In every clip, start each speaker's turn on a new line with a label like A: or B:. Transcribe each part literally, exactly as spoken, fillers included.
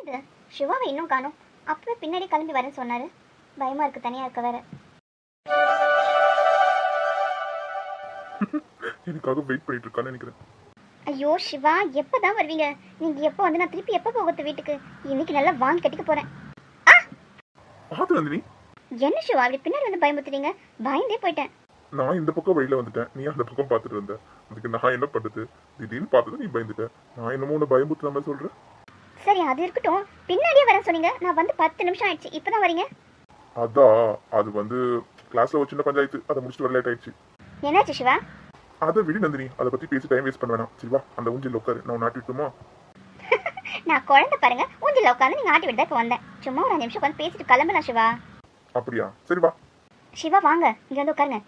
A: எங்க சிவாவை இன்னும் காணோம். அப்பவே பின்னாடி கிளம்பி வரேன்னு சொன்னாரு. பயமா இருக்கு, தனியா இருக்க வேற.
B: எனக்காக வெயிட் பண்ணிட்டு இருக்கான்னு நினைக்கிறேன்.
A: ஐயோ சிவா, எப்பதான் வருவீங்க? நீங்க எப்போ வந்து நான் திருப்பி எப்போ போகிறது வீட்டுக்கு? இன்னைக்கு நல்லா வாங்கி கட்டிக்க போறேன்.
B: பாத்து நந்தினி,
A: என்ன சிவா அப்படி பின்னாடி வந்து பயமுத்துறீங்க? பயந்தே போயிட்டேன்.
B: நான் இந்த பக்கம் வழியில வந்துட்டேன், நீ அந்த பக்கம் பாத்துட்டு இருந்த. அதுக்கு நான் என்ன பண்றது? திடீர்னு பார்த்தது நீ பயந்துட்ட. நான் என்னமோ உன்னை பயமுத்துற மாதிரி சொல்றேன்.
A: சரி அது இருக்கட்டும், பின்னாடியே வரேன் சொன்னீங்க. நான் வந்து பத்து நிமிஷம் ஆயிடுச்சு, இப்பதான் வரீங்க.
B: அதான் அது வந்து கிளாஸ்ல ஒரு சின்ன பஞ்சாயத்து, அதை முடிச்சுட்டு வர லேட் ஆயிடுச்சு.
A: என்னாச்சு சிவா?
B: அதை விடு நந்தினி, அதை பத்தி பேசி டைம் வேஸ்ட் பண்ண வேணாம். சரிவா, அந்த ஊஞ்சில் உட்காரு, நான் நாட்டி விட்டுமா?
A: நான் குழந்தை பாருங்க, ஊஞ்சில உட்காந்து நீங்க ஆட்டி விட்டு தான் இப்போ வந்தேன். சும்மா ஒரு அஞ்சு நிமிஷம் உட்காந்து பேசிட்டு கிளம்பலாம் சிவா.
B: அப்படியா? சரிவா.
A: சிவா வாங்க, இங்க வந்து உட்காருங்க.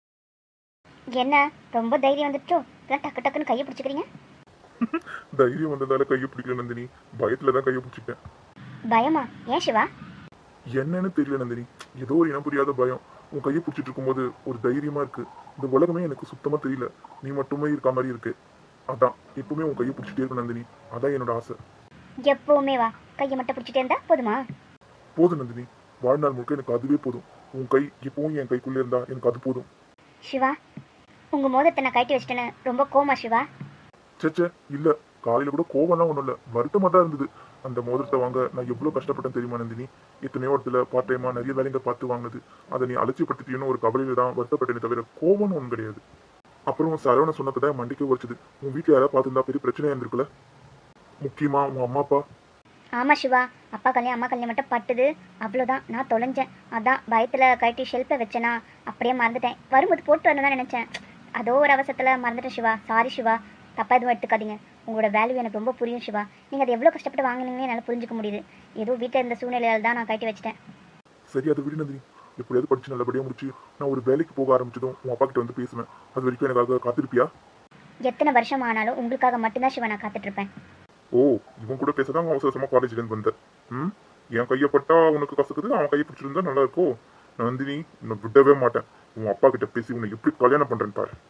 A: என்ன ரொம்ப தைரியம் வந்துட்டோ? இதெல்லாம் டக்கு டக்குன்னு கையை பிடிச்சிக்கிறீங்க.
B: தைரியம் வந்ததால கையை பிடிக்கல நந்தினி, பயத்துல தான் கையை பிடிச்சிட்டேன்.
A: பயமா? ஏன் சிவா?
B: என்னன்னு தெரியல நந்தினி, ஏதோ ஒரு இனம் புரியாத பயம். உன் கையை பிடிச்சிட்டு இருக்கும்போது ஒரு தைரியமா இருக்கு. இந்த உலகமே எனக்கு சுத்தமா தெரியல, நீ மட்டுமே இருக்க மாதிரி இருக்கு. அதான் எப்பவுமே உன் கையை பிடிச்சிட்டே இருக்கும் நந்தினி, அதான் என்னோட ஆசை.
A: எப்பவுமே வா, கையை மட்டும் பிடிச்சிட்டே இருந்தா போதுமா?
B: போதும் நந்தினி, வாழ்நாள் முழுக்க எனக்கு அதுவே போதும். உன் கை எப்பவும் என் கைக்குள்ளே இருந்தா எனக்கு அது போதும்.
A: சிவா, உங்க மோதிரத்தை நான் கட்டி வச்சிட்டேன்னு ரொம்ப கோமா சிவா?
B: சேச்சே இல்ல, காலையில கூட கோவம்லாம் ஒன்றும் இல்லை, வருத்தமாக தான் இருந்தது. அந்த மோதிரத்தை வாங்க நான் எவ்வளோ கஷ்டப்பட்டேன் தெரியுமா நந்தினி? எத்தனையோ இடத்துல பார்ட் டைமா நிறைய வேலைங்க பார்த்து வாங்கினது. அதை நீ அலட்சியப்படுத்திட்டீன்னு ஒரு கவலையில தான் வருத்தப்பட்டேனே தவிர கோவம்னு ஒன்றும் கிடையாது. அப்புறம் சரவண சொன்னதை தான் மண்டிக்க உரைச்சது. உன் வீட்டில் யாராவது பார்த்துருந்தா பெரிய பிரச்சனையா இருந்திருக்குல்ல, முக்கியமா உன் அம்மா அப்பா.
A: ஆமா சிவா, அப்பா கல்யாணம் அம்மா கல்யாணம் மட்டும் பட்டுது, அவ்வளோதான். நான் தொலைஞ்சேன், அதான் பயத்தில் கட்டி ஷெல்ஃபை வச்சேனா, அப்படியே மறந்துட்டேன். வரும்போது போட்டு வரணும் தான் நினச்சேன், அதோ ஒரு அவசரத்தில் மறந்துட்டேன் சிவா. சாரி சிவா, தப்பா எதுவும் எடுத்துக்காதீங்க. உங்களோட வேல்யூ எனக்கு ரொம்ப புரியும் சிவா. நீங்கள் அதை எவ்வளோ கஷ்டப்பட்டு வாங்கினீங்கன்னு என்னால் புரிஞ்சுக்க முடியுது. ஏதோ வீட்டில் இருந்த சூழ்நிலையால் தான் நான் கட்டி வச்சிட்டேன்.
B: சரி அதை விடு நந்தினி, எப்படியாவது படிச்சு நல்லபடியாக முடிச்சு நான் ஒரு வேலைக்கு போக ஆரம்பிச்சதும் உன் அப்பா கிட்ட வந்து பேசுவேன். அது வரைக்கும் எனக்காக காத்திருப்பியா?
A: எத்தனை வருஷம் ஆனாலும் உங்களுக்காக மட்டும்தான் சிவா நான் காத்துட்ருப்பேன்.
B: ஓ, இவன் கூட பேசதான் அவசர அவசரமா காலேஜ்லேருந்து வந்தேன். ம், என் கையப்பட்டா உனக்கு கசக்குது, அவன் கையை பிடிச்சிருந்தா நல்லா இருக்கும். நந்தினி, உன்னை விடவே மாட்டேன். உன் அப்பா கிட்ட பேசி உன்னை எப்படி கல்யாணம் பண்றேன்னு பாரு.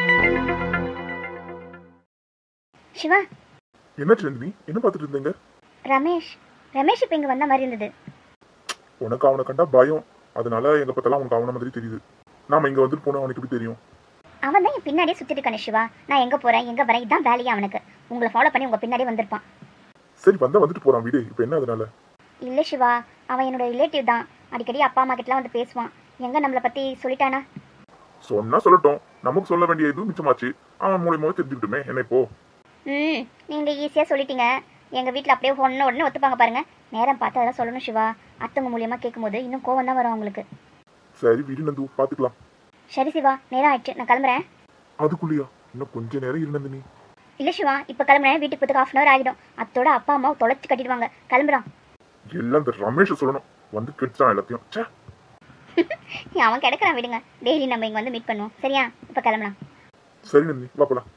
A: சிவா,
B: என்னாச்சு நந்தினி, என்ன பார்த்துட்டு இருந்தீங்க?
A: ரமேஷ் ரமேஷ் இப்போ இங்கே வந்த மாதிரி இருந்தது.
B: உனக்கு அவனை கண்டா பயம், அதனால எங்க பார்த்தாலும் உனக்கு அவன மாதிரி தெரியுது. நாம இங்க வந்துட்டு போனா அவனுக்கு எப்படி தெரியும்?
A: அவன் தான் என் பின்னாடியே சுற்றிட்டு இருக்கானே சிவா. நான் எங்கே போகிறேன் எங்கே வரேன் இதான் வேலையே அவனுக்கு. உங்களை ஃபாலோ பண்ணி உங்கள் பின்னாடியே வந்திருப்பான்.
B: சரி வந்தா வந்துட்டு போறான் வீடு, இப்போ என்ன அதனால?
A: இல்லை சிவா, அவன் என்னோட ரிலேட்டிவ் தான். அடிக்கடி அப்பா அம்மா கிட்டலாம் வந்து பேசுவான். எங்கே நம்மளை பற்றி சொல்லிட்டானா?
B: சொன்னா சொல்லட்டும், நமக்கு சொல்ல வேண்டிய இது மிச்சமாச்சு. அவன் மூலியமாக தெரிஞ்சுக்கிட்டுமே என்ன இப்போ?
A: ம், நீங்கள் ஈஸியாக சொல்லிட்டீங்க. எங்கள் வீட்டில் அப்படியே ஒன்று உடனே ஒத்துப்பாங்க பாருங்க. நேரம் பார்த்து அதெல்லாம் சொல்லணும் சிவா. அத்தவங்க மூலியமாக கேட்கும்போது இன்னும் கோவம் தான் வரும் அவங்களுக்கு.
B: சரி வீடு நந்து பார்த்துக்கலாம்.
A: சரி சிவா, நேரம் ஆயிடுச்சு, நான் கிளம்புறேன்.
B: அதுக்குள்ளியா? இன்னும் கொஞ்ச நேரம் இருந்தது நீ.
A: இல்லை சிவா, இப்போ கிளம்புறேன். வீட்டுக்கு போகிறதுக்கு ஹாஃப் அன் அவர் ஆகிடும். அத்தோட அப்பா அம்மா தொலைச்சி கட்டிடுவாங்க. கிளம்புறான்.
B: எல்லாம் இந்த ரமேஷ் சொல்லணும், வந்து கெடுத்தான் எல்லாத்தையும். சே,
A: அவன் கிடக்குறான், விடுங்க. டெய்லி நம்ம இங்கே வந்து மீட் பண்ணுவோம். சரியா? இப்போ கிளம்பலாம்.
B: சரி நந்தி வா போலாம்.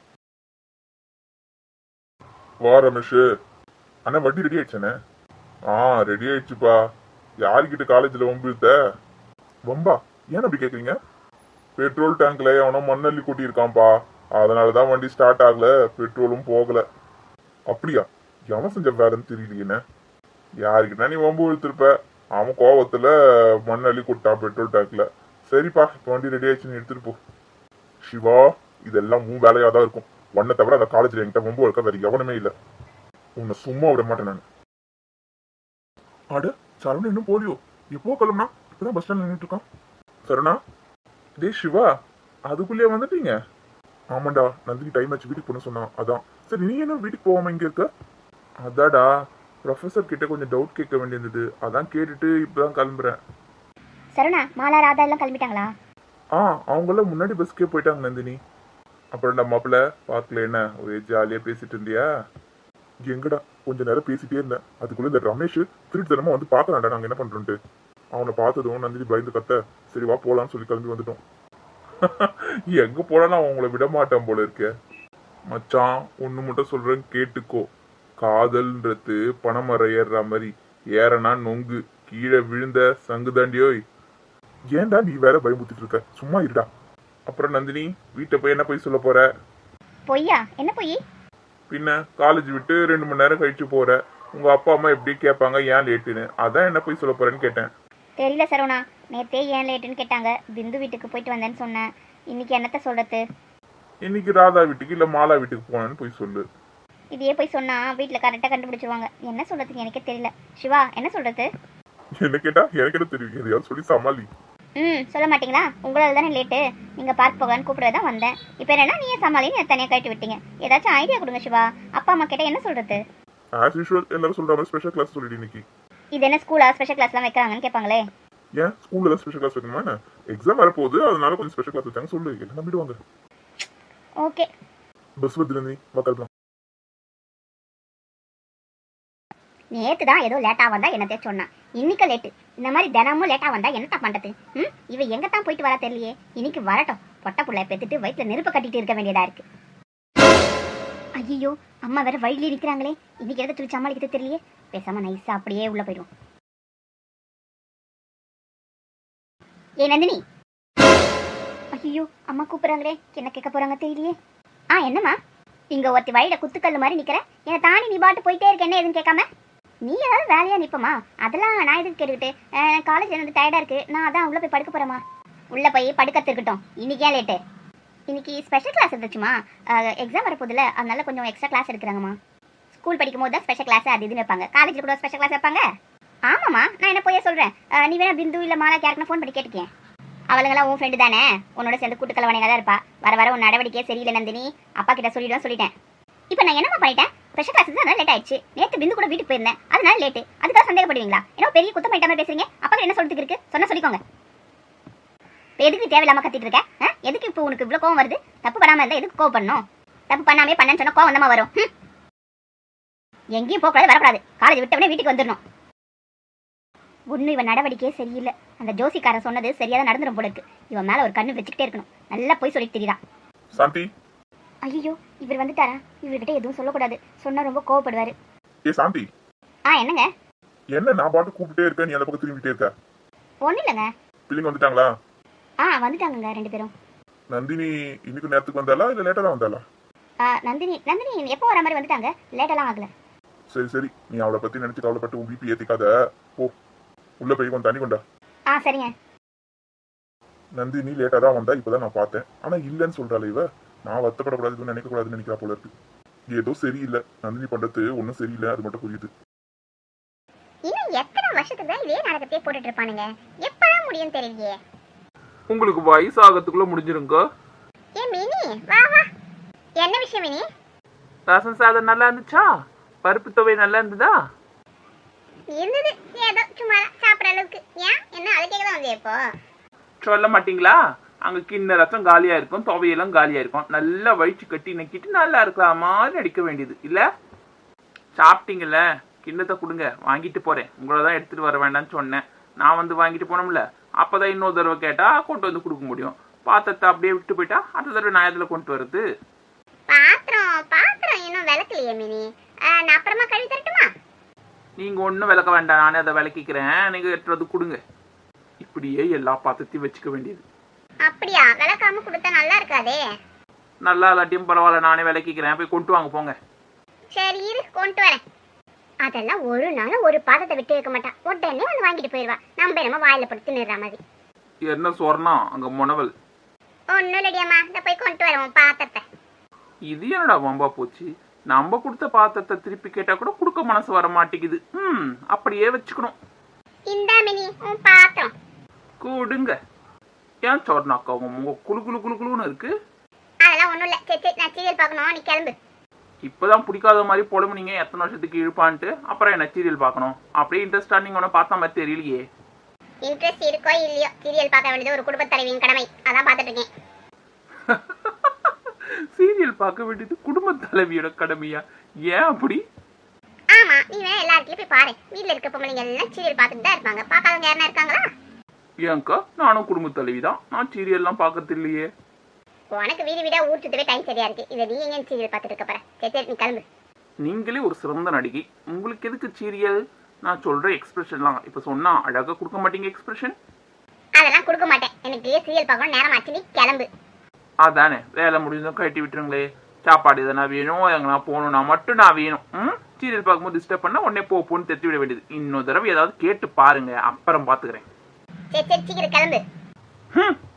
B: வா ரமேஷ். அண்ணா வண்டி ரெடி ஆயிடுச்சானே? ஆ ரெடி ஆயிடுச்சுப்பா. யாருக்கிட்ட காலேஜில் வம்பு இழுத்த? வம்பா? ஏன் அப்படி கேட்குறீங்க? பெட்ரோல் டேங்க்ல எவனோ மண்ணள்ளி கூட்டியிருக்கான்ப்பா, அதனால தான் வண்டி ஸ்டார்ட் ஆகல, பெட்ரோலும் போகல. அப்படியா? எவன் செஞ்ச வேறன்னு தெரியலையேண்ணே. யாருக்கிட்ட நீ வம்பு இழுத்துருப்ப, அவன் கோவத்துல மண்ணள்ளி கூட்டான் பெட்ரோல் டேங்க்ல. சரிப்பா, இப்போ வண்டி ரெடி ஆயிடுச்சுன்னு எடுத்துட்டு போ. சிவா, இதெல்லாம் உன் வேலையா தான் இருக்கும். உன்னை தவிர அந்த காலேஜ்ல என்கிட்ட வம்பு இருக்க வேற எவனுமே இல்லை. உன்னை சும்மா விட மாட்டேன் நான். அட சரவணன் இன்னும் போலியோ? எப்போ கிளம்புனா? இப்பதான் பஸ் ஸ்டாண்ட்ல நின்றுட்டு இருக்கான். சரணா, டே சிவா, அதுக்குள்ளேயே வந்துட்டீங்க? ஆமாண்டா, நந்தினி டைம் ஆச்சு வீட்டுக்கு போன சொன்னான், அதான். சரி நீ என்ன வீட்டுக்கு போகாம இங்க இருக்க? அதாடா, ப்ரொஃபஸர் கிட்ட கொஞ்சம் டவுட் கேட்க வேண்டியிருந்தது, அதான் கேட்டுட்டு இப்பதான் கிளம்புறேன்.
A: சரவணா, மாலா, ராதா எல்லாம் கிளம்பிட்டாங்களா?
B: ஆ, அவங்களாம் முன்னாடி பஸ்க்கே போயிட்டாங்க நந்தினி. அப்புறம் மாப்பிள்ள பார்க்கல, என்ன ஒரே ஜாலியா பேசிட்டு இருந்தியா? எங்கடா, கொஞ்ச நேரம் பேசிட்டே இருந்தேன். அதுக்குள்ள இந்த ரமேஷ் திருட்டுத்தனமா வந்து பார்க்கலாம்டா நாங்க என்ன பண்றோம்ட்டு. அவனை பார்த்ததும் நந்தினி பயந்து கத்த, சரி வா போலான்னு சொல்லி கிளம்பி வந்துட்டோம். எங்க போனாலும் அவன் உங்களை விட மாட்டான் போல இருக்க. மச்சான், ஒண்ணு மட்டும் சொல்றேன் கேட்டுக்கோ. காதல்ன்றது பணமரம் ஏறுற மாதிரி, ஏறனா நொங்கு, கீழே விழுந்த சங்கு தாண்டியோய். ஏன்டா நீ வேற பயமுத்திட்டு இருக்க, சும்மா இருடா. அப்புறம் நந்தினி, வீட்டை போய் என்ன போய் சொல்ல போற?
A: பொய்யா? என்ன பொய்?
B: பின்ன காலேஜ் விட்டு ரெண்டு மணி நேரம் கழிச்சு போற, உங்க அப்பா அம்மா எப்படி கேட்பாங்க ஏன் லேட்டுன்னு, அதான் என்ன போய் சொல்ல போறேன்னு கேட்டேன்.
A: தெரியல சரவணா, நேத்தே ஏன் லேட்டுன்னு கேட்டாங்க. பிந்து வீட்டுக்கு போயிட்டு வந்தேன்னு சொன்னேன். இன்னைக்கு என்னத்த சொல்றது?
B: இன்னைக்கு ராதா வீட்டுக்கு இல்ல மாலா வீட்டுக்கு போனேன்னு போய் சொல்லு.
A: இதையே போய் சொன்னா வீட்டில் கரெக்டாக கண்டுபிடிச்சிருவாங்க. என்ன சொல்றதுக்கு எனக்கே தெரியல. சிவா என்ன சொல்றது?
B: என்ன கேட்டா எனக்கு என்ன தெரியும், எதையாவது சொல்லி சமாளி.
A: ம் சொல்ல மாட்டீங்களா? உங்களால் தானே லேட்டு. நீங்கள் பார்க் போகலான்னு கூப்பிட தான் வந்தேன். இப்போ என்னன்னா நீயே சமாளின்னு தனியாக கட்டி விட்டீங்க. ஏதாச்சும் ஐடியா கொடுங்க சிவா. அப்பா அம்மா கேட்டால் என்ன சொல்றது?
B: ஆஸ் யூஷுவல் எல்லாரும் சொல்ற மாதிரி ஸ்பெஷல் கிளாஸ் சொல்லிட்டு இன்னைக்கு.
A: இது என்ன ஸ்கூலா ஸ்பெஷல் கிளாஸ்லாம் வைக்கிறாங்கன்னு கேட்பாங்களே.
B: ஏன் ஸ்கூல்ல தான் ஸ்பெஷல் கிளாஸ் வைக்கணுமா என்ன? எக்ஸாம் வரப்போகுது, அதனால கொஞ்சம் ஸ்பெஷல் கிளாஸ் வச்சாங்க சொல்லு, எல்லாம் நம்பிடுவாங்க.
A: ஓகே.
B: பஸ் வந்துல நீ மக்கள்
A: நேற்று தான் ஏதோ லேட்டாக வந்தா என்னத்தே சொன்னான். இன்னைக்கு லேட்டு. இந்த மாதிரி தினமும் லேட்டாக வந்தா என்னத்தா பண்ணுறது? ம் இவ எங்கே தான் போயிட்டு வரா தெரியலையே. இன்னைக்கு வரட்டும். பொட்டை புள்ளைய பெற்றுட்டு வயிற்றுல நெருப்பு கட்டிட்டு இருக்க வேண்டியதா இருக்கு. ஐயோ அம்மா வேற வழியிலே நிற்கிறாங்களே. இன்னைக்கு எதை சொல்லி சமாளிக்கிறது தெரியலையே. பேசாம நைஸா அப்படியே உள்ள போயிடும். ஏ நந்தினி. ஐயோ அம்மா கூப்பிடுறாங்களே, என்ன கேட்க போறாங்க தெரியலையே. ஆ என்னம்மா? இங்க ஒருத்தி வழியில குத்துக்கல் மாதிரி நிக்கிற. என்னை தாண்டி நீ பாட்டு போயிட்டே இருக்க, என்ன எதுன்னு கேட்காம. நீ ஏதாவது வேலையா நிப்பமா? அதெல்லாம் நான் எதுக்கு கேட்டுக்கிட்டு? காலேஜ் வந்து டயர்டா இருக்கு, நான் அதான் உள்ள போய் படுக்க போறேம்மா. உள்ள போய் படுக்கத்து இருக்கட்டும். இன்னைக்கு ஏன் லேட்டு? இன்னைக்கு ஸ்பெஷல் கிளாஸ் இருந்துச்சுமா. எக்ஸாம் வரப்போதில்ல, அதனால கொஞ்சம் எக்ஸ்ட்ரா கிளாஸ் எடுக்கிறாங்கம்மா. ஸ்கூல் படிக்கும் போது தான் ஸ்பெஷல் கிளாஸ் அது இதுன்னு வைப்பாங்க. காலேஜில் கூட ஸ்பெஷல் கிளாஸ் வைப்பாங்க. ஆமாம்மா, நான் என்ன போய் சொல்கிறேன். நீ வேணா பிந்து இல்லை மாலா யாருக்குன்னு ஃபோன் பண்ணி கேட்டுக்கேன். அவளுங்கெல்லாம் உன் ஃப்ரெண்டு தானே, உன்னோட சேர்ந்து கூட்டுக்கலவனையாக தான் இருப்பா. வர வர உன் நடவடிக்கையே சரியில்லை நந்தினி. அப்பா கிட்ட சொல்லிடுவேன் சொல்லிட்டேன். இப்போ நான் என்னம்மா பண்ணிட்டேன்? ஸ்பெஷல் கிளாஸ் தான் லேட் ஆயிடுச்சு. நேற்று பிந்து கூட வீட்டுக்கு போயிருந்தேன், அதனால லேட்டு. அதுக்காக சந்தேகப்படுவீங்களா? ஏன்னா பெரிய குத்தம் பண்ணிட்ட மாதிரி பேசுறீங்க. அப்பா என்ன சொல்றதுக்கு இருக்கு? சொன்னா சொல்லிக்கோங்க. எதுக்கு தேவையில்லாம கத்திட்டு இருக்க? எதுக்கு இப்போ உனக்கு இவ்வளோ கோவம் வருது? தப்பு பண்ணாம இருந்தா எதுக்கு கோவம் பண்ணணும்? தப்பு பண்ணாமே பண்ணேன்னு சொன்னா கோவம் வந்தமா வரும். எங்கேயும் போகக்கூடாது, வரக்கூடாது. காலேஜ் விட்டவனே வீட்டுக்கு வந்துடணும். ஒன்றும் இவன் நடவடிக்கையே சரியில்லை. அந்த ஜோசிக்காரன் சொன்னது சரியாக நடந்துடும் போல இருக்கு. இவன் மேல ஒரு கண்ணு வச்சுக்கிட்டே இருக்கணும். நல்லா போய் சொல்லிட்டு தெரியுதா.
B: சாந்தி.
A: ஐயோ இவர் வந்துட்டாரா? இவர்கிட்ட எதுவும் சொல்லக்கூடாது, சொன்னா ரொம்ப கோவப்படுவாரு.
B: ஏ சாந்தி.
A: ஆ என்னங்க?
B: என்ன நான் பாட்டு கூப்பிட்டே இருக்கேன், நீ அந்த பக்கம் திரும்பிட்டே இருக்க?
A: ஒன்றும் இல்லைங்க.
B: பிள்ளைங்க வந்துட்டாங்களா?
A: ஆ வந்துட்டாங்கங்க ரெண்டு பேரும்.
B: நந்தினி இன்னைக்கு நேரத்துக்கு வந்தாளா இல்ல லேட்டா தான் வந்தாளா?
A: நந்தினி நந்தினி எப்போ வர மாதிரி வந்துட்டாங்க, லேட்டெல்லாம் ஆகல. சரி
B: சரி, நீ அவளை பத்தி நினைச்சு கவலைப்பட்டு உன் பிபி ஏத்திக்காத. போ உள்ள போய் கொஞ்சம் தண்ணி கொண்டா.
A: ஆ சரிங்க.
B: நந்தினி லேட்டா தான் வந்தா, இப்பதான் நான் பார்த்தேன். ஆனா இல்லன்னு சொல்றாள் இவ. நான் வருத்தப்படக்கூடாதுன்னு நினைக்க கூடாதுன்னு நினைக்கிறா போல இருக்கு. ஏதோ சரியில்லை, நந்தினி பண்றது ஒன்னும் சரியில்லை, அது மட்டும் புரியுது.
A: இன்னும் எத்தனை வருஷத்துக்கு தான் இதே நாடகத்தையே போட்டுட்டு இருப்பானுங்க? எப்பதான் முடியும் தெரியலையே.
C: உங்களுக்கு வயசு ஆகிறதுக்குள்ள முடிஞ்சிருங்க.
A: ஏ மினி வா வா. என்ன விஷயம் மினி?
C: ரசம் சாதம் நல்லா இருந்துச்சா? பருப்பு துவை நல்லா இருந்ததா?
A: இருந்தது, ஏதோ சும்மா சாப்பிட்ற அளவுக்கு. ஏன் என்ன அதுக்கே தான் வந்து இப்போ
C: சொல்ல மாட்டீங்களா? அங்க கிண்ண ரசம் காலியா இருக்கும், துவையெல்லாம் காலியா இருக்கும். நல்லா வயிற்று கட்டி நக்கிட்டு நல்லா இருக்கிற மாதிரி அடிக்க வேண்டியது இல்ல? சாப்பிட்டீங்கல்ல, கிண்ணத்தை கொடுங்க, வாங்கிட்டு போறேன். உங்களை தான் எடுத்துட்டு வர வேண்டாம்னு சொன்னேன். நான் வந்து வாங்கிட்டு போனோம்ல, அப்பதான் இன்னொரு தடவை கேட்டா கொண்டு வந்து கொடுக்க முடியும். பாத்திரத்தை அப்படியே விட்டு போயிட்டா அடுத்த தடவை நான் எதுல கொண்டு வருது?
A: பாத்திரம் பாத்திரம் இன்னும் விளக்கலையே மினி. நான் அப்புறமா கழுவி தரட்டுமா?
C: நீங்க ஒன்றும் விளக்க வேண்டாம், நானே அதை விளக்கிக்கிறேன். நீங்க எடுத்து வந்து கொடுங்க. இப்படியே எல்லா பாத்திரத்தையும் வச்சுக்க வேண்டியது.
A: அப்படியா? விளக்காம கொடுத்தா நல்லா இருக்காதே.
C: நல்லா இல்லாட்டியும் பரவாயில்ல, நானே விளக்கிக்கிறேன். போய் கொண்டு வாங்க போங்க.
A: சரி இரு, கொண்டு வரேன். அதெல்லாம் ஒரு நாள் ஒரு பாத்திரத்தை விட்டு வைக்க மாட்டான். உடனே வந்து வாங்கிட்டு போயிடுவா. நம்ம என்னமோ வாயில போட்டு நிறுற மாதிரி.
C: என்ன சொன்னா அங்க முனவல்?
A: ஒன்னும் இல்லடியாம்மா, இந்த போய் கொண்டு வரேன் பாத்திரத்தை.
C: இது என்னடா வம்பா போச்சு? நம்ம கொடுத்த பாத்திரத்தை திருப்பி கேட்டா கூட கொடுக்க மனசு வர மாட்டேங்குது. ம் அப்படியே வச்சுக்கணும்.
A: இந்தா மினி உன் பாத்திரம்.
C: கூடுங்க. ஏன் சொன்னாக்கா உங்க குளு குளு குளு குளுன்னு இருக்கு?
A: அதெல்லாம் ஒன்றும் இல்லை. சரி சரி, நான் சீரியல் பார்க்கணும், நீ கிளம்பு.
C: இப்பதான் பிடிக்காத மாதிரி புலம்புனீங்க எத்தனை வருஷத்துக்கு இழுப்பான்ட்டு. அப்புறம் என்ன சீரியல் பார்க்கணும்? அப்படியே இன்ட்ரெஸ்டா நீங்க ஒன்றும் பார்த்த மாதிரி தெரியலையே.
A: இன்ட்ரெஸ்ட் இருக்கோ இல்லையோ, சீரியல் பார்க்க வேண்டியது ஒரு குடும்ப தலைவியின் கடமை. அதான் பார்த்துட்டு இருக்கேன்.
C: சீரியல் பார்க்க வேண்டியது குடும்ப தலைவியோட கடமையா? ஏன் அப்படி?
A: ஆமா, நீ வேணா எல்லா இடத்துலயும் போய் பாரு. வீட்டுல இருக்க பொம்பளைங்க எல்லாம் சீரியல் பார்த்துட்டு தான் இருப்பாங்க. பார்க்காதவங்க யாருன்னா இருக்காங்களா?
C: ஏன்க்கா, நானும் குடும்ப தலைவி தான். நான் சீரியல்லாம் பார்க்கறது இல்லையே.
A: உனக்கு வீடு வீடா ஊர் சுத்தவே டைம் சரியா இருக்கு. இதை நீ எங்க சீரியல் பார்த்துட்டு இருக்க போற? சரி சரி, நீ கிளம்பு.
C: நீங்களே ஒரு சிறந்த நடிகை, உங்களுக்கு எதுக்கு சீரியல்? நான் சொல்ற எக்ஸ்பிரஷன்லாம் இப்ப சொன்னா அழகா கொடுக்க மாட்டீங்க எக்ஸ்பிரஷன்.
A: அதெல்லாம் கொடுக்க மாட்டேன். எனக்கு சீரியல் பார்க்கணும் நேரம் ஆச்சு, நீ கிளம்பு.
C: அதானே, வேலை முடிஞ்சதும் கட்டி விட்டுருங்களே. சாப்பாடு எதனா வேணும், எங்கன்னா போகணும்னா மட்டும் நான் வேணும். ம் சீரியல் பார்க்கும்போது டிஸ்டர்ப் பண்ணா உடனே போ போன்னு தெத்தி விட வேண்டியது. இன்னொரு தடவை ஏதாவது கேட்டு பாருங்க, அப்புறம் பாத்துக்கிறேன்.
A: சரி சரி சீக்கிரம் கிளம்பு.
C: ஹம்